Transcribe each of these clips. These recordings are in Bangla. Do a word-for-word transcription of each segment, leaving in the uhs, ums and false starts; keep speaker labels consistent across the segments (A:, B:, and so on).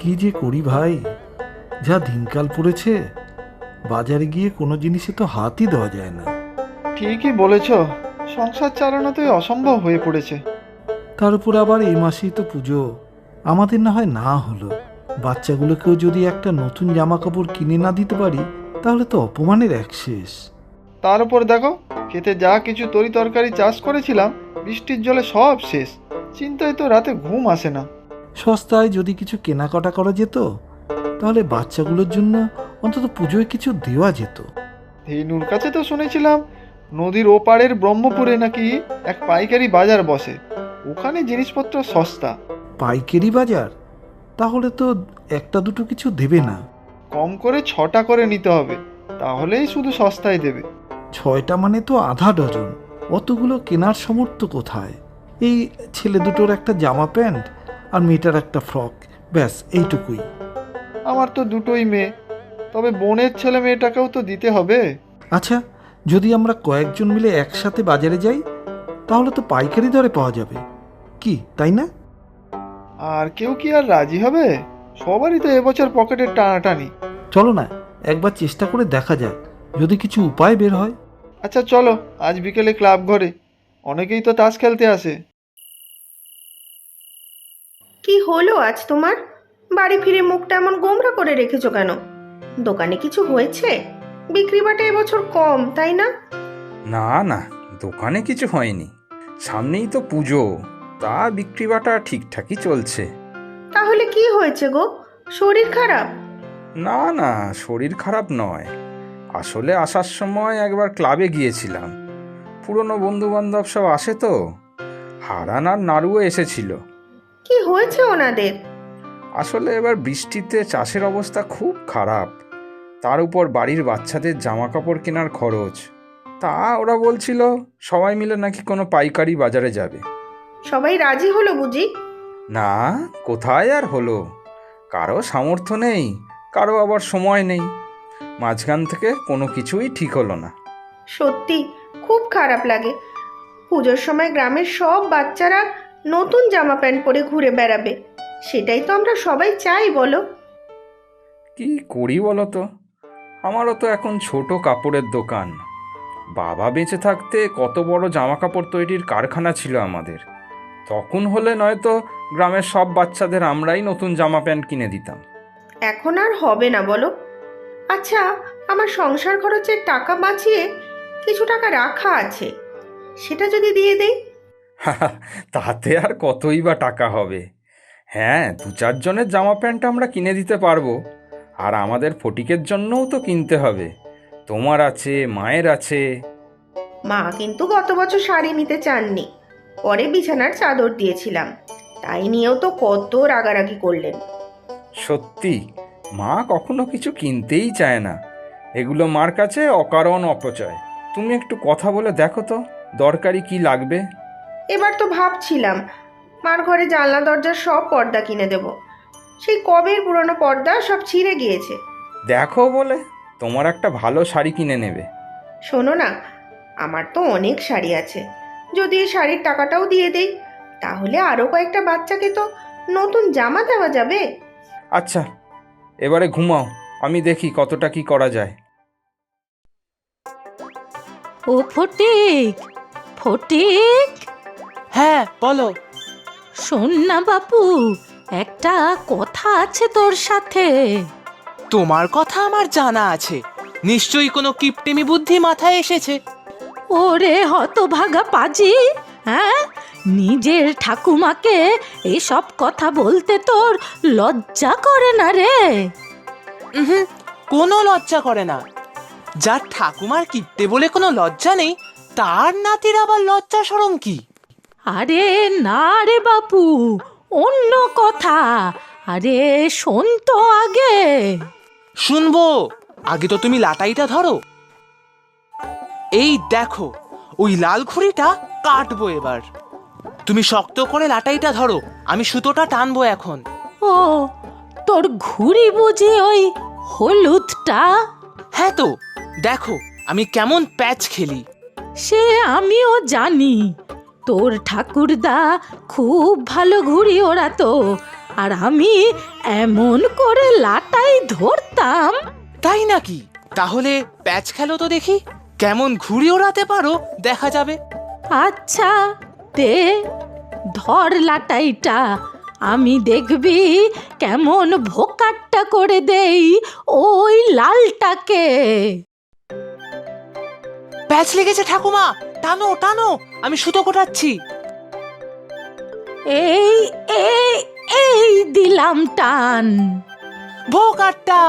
A: কি যে করি ভাই, যা দিনকাল পড়েছে, বাজারে গিয়ে কোনো জিনিসে তো হাতই দেওয়া যায় না।
B: ঠিকই বলেছ, সংসার চালানো তো অসম্ভব হয়ে পড়েছে।
A: তার উপর আবার এই মাসেই তো পুজো। আমাদের না হয় না হলো, বাচ্চাগুলোকেও যদি একটা নতুন জামা কাপড় কিনে না দিতে পারি তাহলে তো অপমানের এক শেষ।
B: তার উপর দেখো, খেতে যা কিছু তরি তরকারি চাষ করেছিলাম বৃষ্টির জলে সব শেষ। চিন্তায় তো রাতে ঘুম আসে না।
A: সস্তায় যদি কিছু কেনাকাটা করা যেত তাহলে বাচ্চাগুলোর জন্য অন্তত পুজোয় কিছু দেওয়া যেত।
B: ধেনুর কাছে তো শুনেছিলাম নদীর ওপারের ব্রহ্মপুরে নাকি এক পাইকারি বাজার বসে, ওখানে জিনিসপত্র সস্তা।
A: পাইকারি বাজার? তাহলে তো একটা দুটো কিছু দেবে না।
B: কম করে ছটা করে নিতে হবে, তাহলেই শুধু সস্তায় দেবে।
A: ছয়টা মানে তো আধা ডজন, অতগুলো কেনার সামর্থ্য কোথায়? এই ছেলে দুটোর একটা জামা প্যান্ট আর মেয়েটার একটা ফ্রক, ব্যাস এইটুকুই।
B: আমার তো দুটোই মেয়ে, তবে বোনের ছেলে মেয়েটাকেও তো দিতে হবে।
A: আচ্ছা, যদি আমরা কয়েকজন মিলে একসাথে বাজারে যাই তাহলে তো পাইকারি দরে পাওয়া যাবে, কি তাই না?
B: আর কেউ কি আর রাজি হবে? সবারই তো এবছর পকেটের টানাটানি।
A: চলো না, একবার চেষ্টা করে দেখা যাক, যদি কিছু উপায় বের হয়।
B: আচ্ছা চলো, আজ বিকেলে ক্লাব ঘরে অনেকেই তো তাস খেলতে আসে।
C: কি হলো আজ তোমার? বাড়ি ফিরে মুখটা এমন গোমরা করে রেখেছো কেন? দোকানে কিছু হয়েছে? বিক্রি বাটা এবছর কম, তাই না?
D: না না, দোকানে কিছু হয়নি। সামনেই তো পুজো, তা বিক্রি বাটা ঠিকঠাকই চলছে।
C: তাহলে কি হয়েছে গো? শরীর খারাপ?
D: না না, শরীর খারাপ নয়। আসলে আসার সময় একবার ক্লাবে গিয়েছিলাম, পুরনো বন্ধু বান্ধব সব আসে তো, হারান আর নাড়ুও এসেছিল।
C: কি হয়েছে ওনাদের?
D: আসলে এবার বৃষ্টিতে চাষের অবস্থা খুব খারাপ, তার উপর বাড়ির বাচ্চাদের জামা কাপড় কেনার খরচ। তা ওরা বলছিল সবাই মিলে নাকি কোনো পাইকারি বাজারে যাবে।
C: সবাই রাজি হলো বুঝি?
D: না, কোথায় আর হলো, কারো সামর্থ্য নেই, কারো আবার সময় নেই। মাঝখান থেকে কোনো কিছুই ঠিক হলো না।
C: সত্যি খুব খারাপ লাগে। পুজোর সময় গ্রামের সব বাচ্চারা নতুন জামা প্যান্ট পরে ঘুরে বেড়াবে, সেটাই তো আমরা সবাই চাই, বলো?
D: কি করি বলো তো, আমারও তো এখন ছোট কাপড়ের দোকান। বাবা বেঁচে থাকতে কত বড় জামা কাপড় তৈরির কারখানা ছিল আমাদের। তখন হলে নয়তো গ্রামের সব বাচ্চাদের আমরাই নতুন জামা প্যান্ট কিনে দিতাম।
C: এখন আর হবে না, বলো? আচ্ছা, আমার সংসার খরচের টাকা বাঁচিয়ে কিছু টাকা রাখা আছে, সেটা যদি দিয়ে দেই?
D: তাতে আর কতই বা টাকা হবে। হ্যাঁ, দু চারজনের জামা প্যান্ট আমরা কিনে দিতে পারবো, আর আমাদের ফটিকের জন্যও তো কিনতে হবে। তোমার আছে, মায়ের আছে।
C: মা কিন্তু গত বছর শাড়ি নিতে চাননি, পরে বিছানার চাদর দিয়েছিলাম, তাই নিয়েও তো কত রাগারাগি করলেন।
D: সত্যি, মা কখনো কিছু কিনতেই চায় না, এগুলো মার কাছে অকারণ অপচয়। তুমি একটু কথা বলে দেখো তো দরকারি কি লাগবে।
C: এবার তো ভাবছিলাম মার ঘরে জানলা দরজার সব পর্দা কিনে দেব। সেই কবের পুরনো পর্দা সব ছিঁড়ে গিয়েছে।
D: দেখো বলে তোমার একটা ভালো শাড়ি কিনে নেবে।
C: শোনো না, আমার তো অনেক শাড়ি আছে, যদি এই শাড়ির টাকাটাও দিয়ে দেই তাহলে আরও কয়েকটা বাচ্চাকে তো নতুন জামা দেওয়া যাবে।
D: আচ্ছা, এবারে ঘুমাও, আমি দেখি কতটা কি করা যায়।
E: ও ফটিক, ফটিক,
F: হ্যাঁ বলো।
E: শোন না বাপু, একটা কথা আছে তোর সাথে।
F: তোমার কথা আমার জানা আছে, নিশ্চয়ই কোনো কিপটেমি বুদ্ধি মাথায় এসেছে।
E: ওরে হতভাগা পাজি, হ্যাঁ, নিজের ঠাকুমাকে এসব কথা বলতে তোর লজ্জা করে না রে?
F: হুম, কোনো লজ্জা করে না। যার ঠাকুমার কিপটে বলে কোনো লজ্জা নেই, তার নাতির আবার লজ্জা শরম কি?
E: আরে না রে বাপু, অন্য কথা। আরে শোন তো আগে।
F: শুনবো, আগে তো তুমি লাটাইটা ধরো। এই দেখো, ওই লাল ঘুড়িটা কাটবো এবার। তুমি শক্ত করে লাটাইটা ধরো, আমি সুতোটা টানবো এখন।
E: ও, তোর ঘুড়ি বুঝি ওই হলুদটা?
F: হ্যাঁ তো, দেখো আমি কেমন প্যাচ খেলি।
E: সে আমিও জানি, তোর ঠাকুরদা খুব ভালো ঘুড়ি ওড়াতো, আর আমি এমন করে লাটাই ধরতাম।
F: তাই নাকি? তাহলে প্যাচ খেলো তো দেখি, কেমন ঘুড়ি ওড়াতে পারো দেখা যাবে।
E: আচ্ছা দে, ধর লাটাইটা, আমি দেখবি কেমন ভোকাট্টা করে দেই ওই লালটাকে।
F: প্যাচ লেগেছে ঠাকুমা, টানো টানো, আমি সুতো কোটাচ্ছি।
E: এই এই এই দিলাম টান।
F: ভোকাট্টা।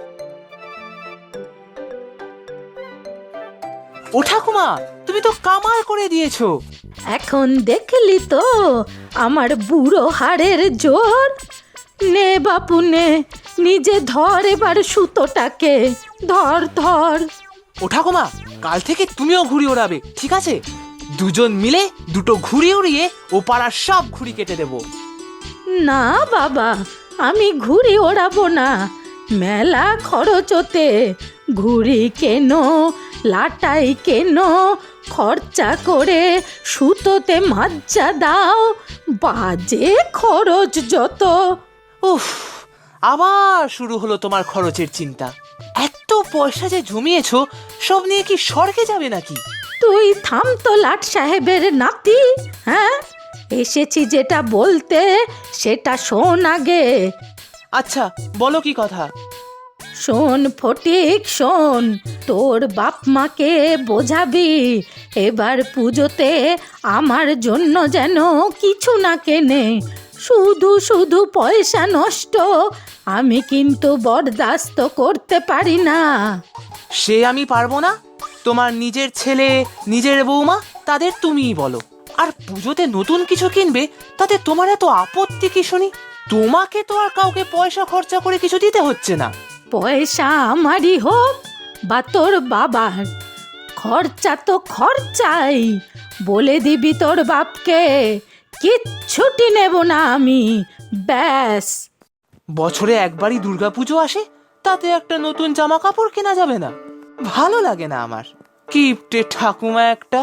F: ও ঠাকুমা, তুমি তো কামাল করে দিয়েছো।
E: এখন দেখলি তো আমার বুড়ো হাড়ের জোর। নে বাপু নে, নিজে ধর এবার সুতোটাকে, ধর ধর।
F: ও ঠাকুমা, কাল থেকে তুমিও ঘুড়ি ওড়াবে, ঠিক আছে? দুজন মিলে দুটো ঘুড়ি উড়িয়ে ও পাড়ার সব ঘুড়ি কেটে দেবো।
E: না বাবা, আমি ঘুড়ি ওড়াবো না, মেলা খরচ ওতে। ঘুড়ি কেনো, লাটাই কেনো, খরচা করে সুতোতে মাজ্জা দাও, বাজে খরচ যত।
F: উফ, আবার শুরু হলো তোমার খরচের চিন্তা। এত পয়সা যে জমিয়েছো, সব নিয়ে কি স্বর্গে যাবে নাকি?
E: তুই থাম তো লাট সাহেবের নাতি, হ্যাঁ? এসেছি যেটা বলতে সেটা শোন আগে।
F: আচ্ছা, বলো কি কথা?
E: শোন ফটিক শোন, তোর বাপ মাকে বোঝাবি এবার পুজোতে আমার জন্য যেন কিছু না কেনে। শুধু শুধু পয়সা নষ্ট আমি কিন্তু বরদাস্ত করতে পারি না।
F: সে আমি পারবো না। তোমার নিজের ছেলে, নিজের বৌমা, তাদের তুমিই বলো। আর পুজোতে নতুন কিছু কিনবে, তাতে তোমার এত আপত্তি কি শুনি? তোমাকে তো আর কাউকে পয়সা খরচা করে কিছু দিতে হচ্ছে না।
E: পয়সা আমারই হোক বা তোর বাবার, খরচা তো খরচাই। বলে দিবি তোর বাপকে, কিচ্ছুটি নেব না আমি, ব্যাস।
F: বছরে একবারই দুর্গাপুজো আসে, তাতে একটা নতুন জামা কাপড় কেনা যাবে না? ভালো লাগে না আমার। কিপ্টে ঠাকুমা একটা।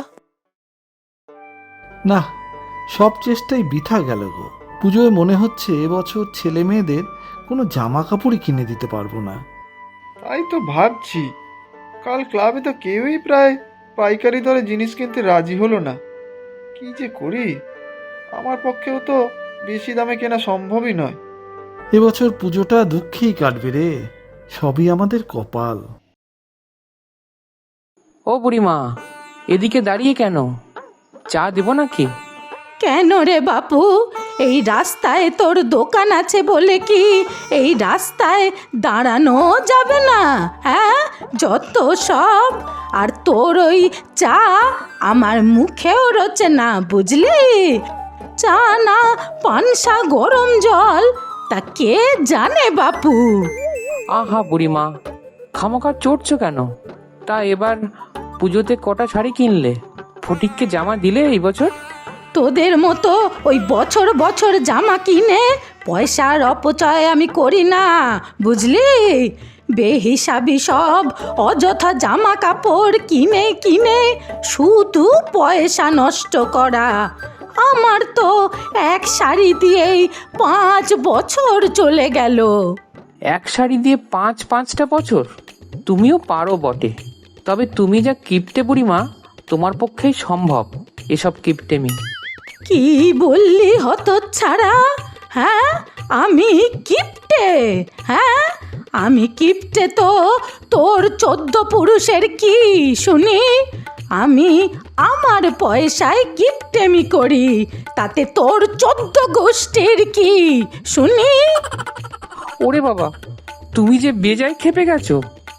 A: না, সব চেষ্টাই বৃথা গেল গো। পুজোয় মনে হচ্ছে এবছর ছেলে মেয়েদের কোনো জামা কাপড়ই কিনে দিতে পারবো না।
B: তাই তো ভাবছি, কাল ক্লাবে তো কেউই প্রায় পাইকারি দরে জিনিস কিনতে রাজি হলো না। কি যে করি, আমার পক্ষেও তো বেশি দামে কেনা সম্ভবই নয়।
A: এবছর পুজোটা দুঃখেই কাটবে রে, সবই আমাদের কপাল।
G: ও বুড়িমা, এদিকে দাঁড়িয়ে কেন? চা দেবো নাকি?
E: কেন রে বাপু, এই রাস্তায় তোর দোকান আছে বলে কি এই রাস্তায় দাঁড়ানো যাবে না? হ্যাঁ, যত সব। আর তোর ওই চা আমার মুখেও রোচে না, বুঝলি? চা না পানসা গরম জল, তা কে জানে বাপু।
G: আহা বুড়িমা, খামোখা চড়ছো কেন? তা এবার পুজোতে কটা শাড়ি কিনলে? ফটিককে জামা দিলে এই বছর?
E: তোদের মতো ওই বছর বছর জামা কিনে পয়সার অপচয় আমি করি না, বুঝলি? বেহিসাবি সব অযথা জামা কাপড় কিনে কিনে শুধু পয়সা নষ্ট করা। আমার তো এক শাড়ি দিয়েই পাঁচ বছর চলে গেল।
G: এক শাড়ি দিয়ে পাঁচ পাঁচটা বছর? তুমিও পারো বটে, তবে তুমি যা কিপটে বুড়িমা, তোমার পক্ষেই সম্ভব এসব কিপটেমি।
E: কি বললি হতচ্ছাড়া? হ্যাঁ, আমি কিপটে? হ্যাঁ, আমি কিপটে তো তোর চোদ্দ পুরুষের কি শুনি? আমি আমার পয়সায় কিপটেমি করি, তাতে তোর চোদ্দ গোষ্ঠীর কি শুনি?
G: ওরে বাবা, তুমি যে বেজায় খেপে গেছো।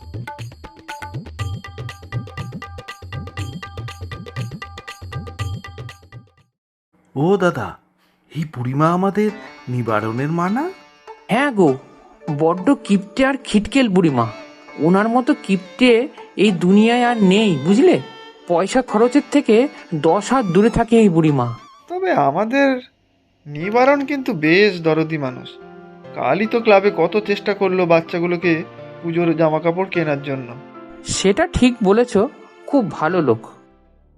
H: ও দাদা, এই বুড়িমা আমাদের নিবারণের মা না?
G: হ্যাঁ গো, বড্ড কিপটে আর খিটকেল বুড়িমা। ওনার মতো কিপটে এই দুনিয়ায় আর নেই, বুঝলে? পয়সা খরচের থেকে দশ হাত দূরে থাকে এই বুড়িমা।
B: তবে আমাদের নিবারণ কিন্তু বেশ দরদি মানুষ। কালই তো ক্লাবে কত চেষ্টা করলো বাচ্চাগুলোকে পুজোর জামা কাপড় কেনার জন্য।
G: সেটা ঠিক বলেছ, খুব ভালো লোক।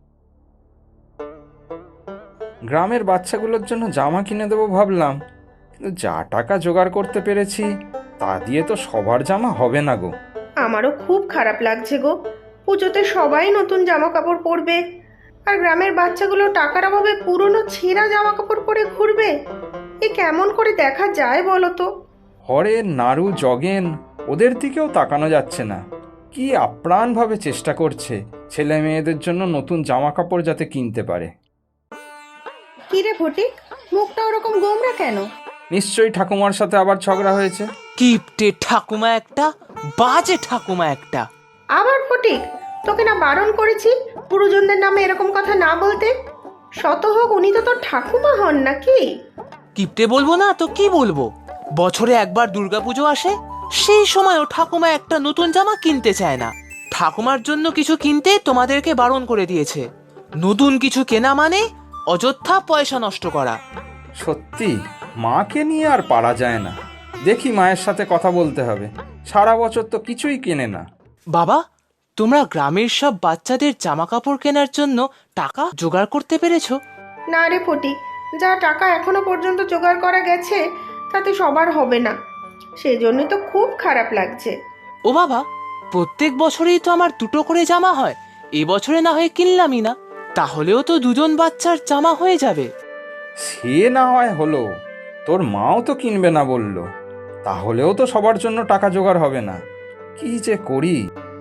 D: গ্রামের বাচ্চাগুলোর জন্য জামা কিনে দেবো ভাবলাম, যা টাকা জোগাড় করতে পেরেছি তা দিয়ে তো সবার জামা হবে না গো।
C: আমারও খুব খারাপ লাগছে গো। পুজোতে সবাই নতুন জামা কাপড় পরবে, আর গ্রামের বাচ্চাগুলো টাকার অভাবে পুরনো ছেঁড়া জামা কাপড় পরে ঘুরবে। এ কেমন করে দেখা যায় বলো তো?
D: হরেন, নাড়ু, জগেন ওদের দিকেও তাকানো যাচ্ছে না। কি আপ্রাণভাবে চেষ্টা করছে ছেলে মেয়েদের জন্য নতুন জামা কাপড় যাতে কিনতে পারে।
C: কি রে ফটিক, মুখটা ওরকম গোমরা কেন?
D: নিশ্চয়ই ঠাকুমার সাথে আবার ঝগড়া হয়েছে।
F: কিপটে ঠাকুমা একটা, বাজে ঠাকুমা একটা।
C: আবার ফটিক, তোকে না বারণ করেছি গুরুজনদের নামে এরকম কথা না বলতে? শত হোক উনি তো তোর ঠাকুমা হন নাকি?
F: কিপটে বলবো না তো কি বলবো? বছরে একবার দুর্গাপুজো আসে, সেই সময়ও ঠাকুমা একটা নতুন জামা কিনতে চায় না। ঠাকুমার জন্য কিছু কিনতে তোমাদেরকে বারণ করে দিয়েছে। নতুন কিছু কেনা মানে অযথা পয়সা নষ্ট করা।
D: সত্যি মাকে নিয়ে আর পারা যায় না। দেখি মায়ের সাথে কথা বলতে হবে। সারা বছর তো কিছুই কেনে না।
F: বাবা, তোমরা গ্রামের সব বাচ্চাদের জামা কাপড় কেনার জন্য টাকা জোগাড় করতে পেরেছো?
C: না রে ফটিক, যা টাকা এখনো পর্যন্ত জোগাড় করা গেছে তাতে সবার হবে না। সেই জন্যই তো খুব খারাপ লাগছে।
F: ও বাবা, প্রত্যেক বছরেই তো আমার দুটো করে জামা হয়, এবছরে না হয়ে কিনলামই না। তাহলেও তো দুজন বাচ্চার জামা হয়ে যাবে।
D: সে না হয় হলো, তোর মাও তো কিনবে না বললো। তাহলেও তো সবার জন্য টাকা জোগাড় হবে না। কি যে করি।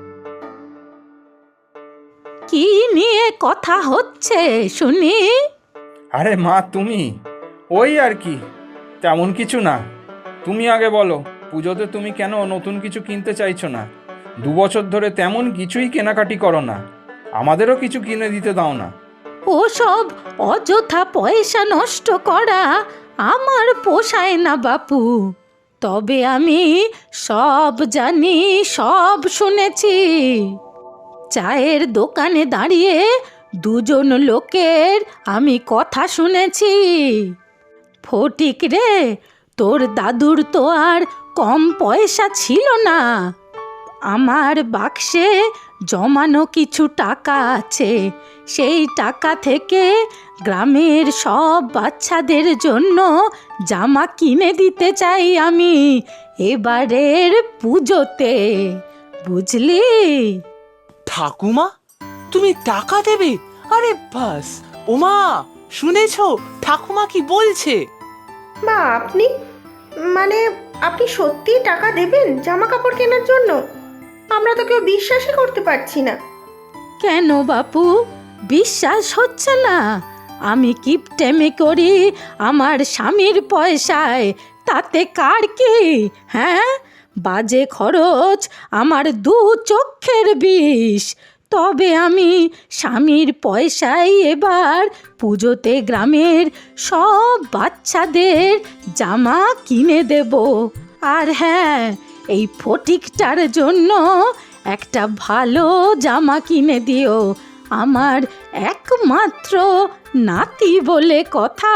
E: কি নিয়ে কথা হচ্ছে শুনি?
D: আরে মা, তুমি? ওই আর কি, তেমন কিছু না। তুমি আগে বলো, পুজোতে তুমি কেন নতুন কিছু কিনতে চাইছো না? দু বছর ধরে তেমন কিছুই কেনাকাটি করো না, আমাদেরও কিছু কিনে দিতে দাও না।
E: ওসব অযথা পয়সা নষ্ট করা আমার পোষায় না বাপু। তবে আমি সব জানি, সব শুনেছি। চায়ের দোকানে দাঁড়িয়ে দুজন লোকের আমি কথা শুনেছি। ফটিক রে, তোর দাদুর তো আর কম পয়সা ছিল না। আমার বাক্সে জমানো কিছু টাকা আছে, সেই টাকা থেকে গ্রামের সব বাচ্চাদের জন্য জামা কিনে দিতে চাই আমি এবারের পুজোতে, বুঝলি?
F: ঠাকুমা, তুমি টাকা দেবে? আরে বাস! ওমা, শুনেছো ঠাকুমা কি বলছে?
C: মা, আপনি মানে আপনি সত্যি টাকা দেবেন জামা কাপড় কেনার জন্য? আমরা তো কেউ বিশ্বাসই করতে পারছি না।
E: কেন বাপু, বিশ্বাস হচ্ছে না? আমি কিপটেমি করি আমার স্বামীর পয়সায়, তাতে কার কি? হ্যাঁ, বাজে খরচ আমার দু চক্ষের বিষ। তবে আমি স্বামীর পয়সায় এবার পুজোতে গ্রামের সব বাচ্চাদের জামা কিনে দেব। আর হ্যাঁ, এই ফটিকটার জন্য একটা ভালো জামা কিনে দিও, আমার একমাত্র নাতি বলে কথা।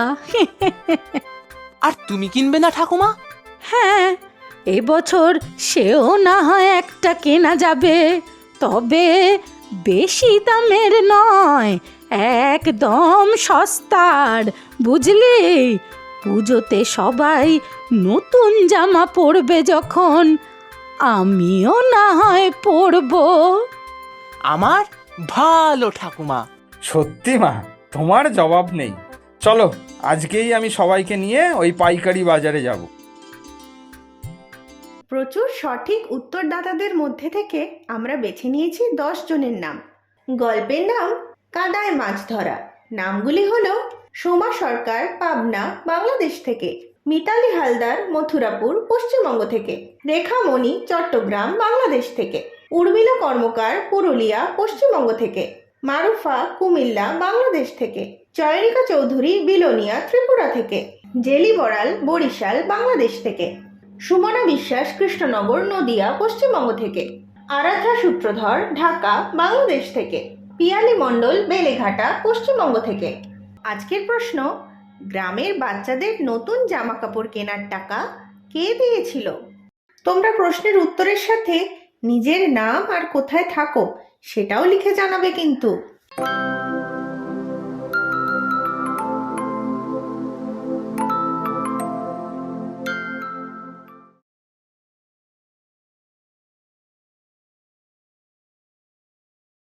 F: আর তুমি কিনবে না ঠাকুমা?
E: হ্যাঁ, এবছর সেও না হয় একটা কেনা যাবে, তবে বেশি দামের নয়, একদম সস্তার, বুঝলি? পুজোতে সবাই নতুন জামা পরবে যখন, আমিও না হয় পরবো।
F: আমার ভালো ঠাকুমা।
D: সত্যি মা, তোমার জবাব নেই। চলো, আজকেই আমি সবাইকে নিয়ে ওই পাইকারি বাজারে যাব।
C: প্রচুর সঠিক উত্তরদাতাদের মধ্যে থেকে আমরা বেছে নিয়েছি দশ জনের নাম। গল্পের নাম কাদায় মাছ ধরা। নামগুলি হলো সোমা সরকার, পাবনা, বাংলাদেশ থেকে; মিতালি হালদার, মথুরাপুর, পশ্চিমবঙ্গ থেকে; রেখা মণি, চট্টগ্রাম, বাংলাদেশ থেকে; উর্মিলা কর্মকার, পুরুলিয়া, পশ্চিমবঙ্গ থেকে; মারুফা, কুমিল্লা, বাংলাদেশ থেকে; জয়রিকা চৌধুরী, বিলোনিয়া, ত্রিপুরা থেকে; জেলি বড়াল, বরিশাল, বাংলাদেশ থেকে; সুমনা বিশ্বাস, কৃষ্ণনগর, নদিয়া, পশ্চিমবঙ্গ থেকে; আরাধ্যা সূত্রধর, ঢাকা, বাংলাদেশ থেকে; পিয়ালি মণ্ডল, বেলেঘাটা, পশ্চিমবঙ্গ থেকে। আজকের প্রশ্ন, গ্রামের বাচ্চাদের নতুন জামা কাপড় কেনার টাকা কে দিয়েছিল? তোমরা প্রশ্নের উত্তরের সাথে নিজের নাম আর কোথায় থাকো সেটাও লিখে জানাবে কিন্তু।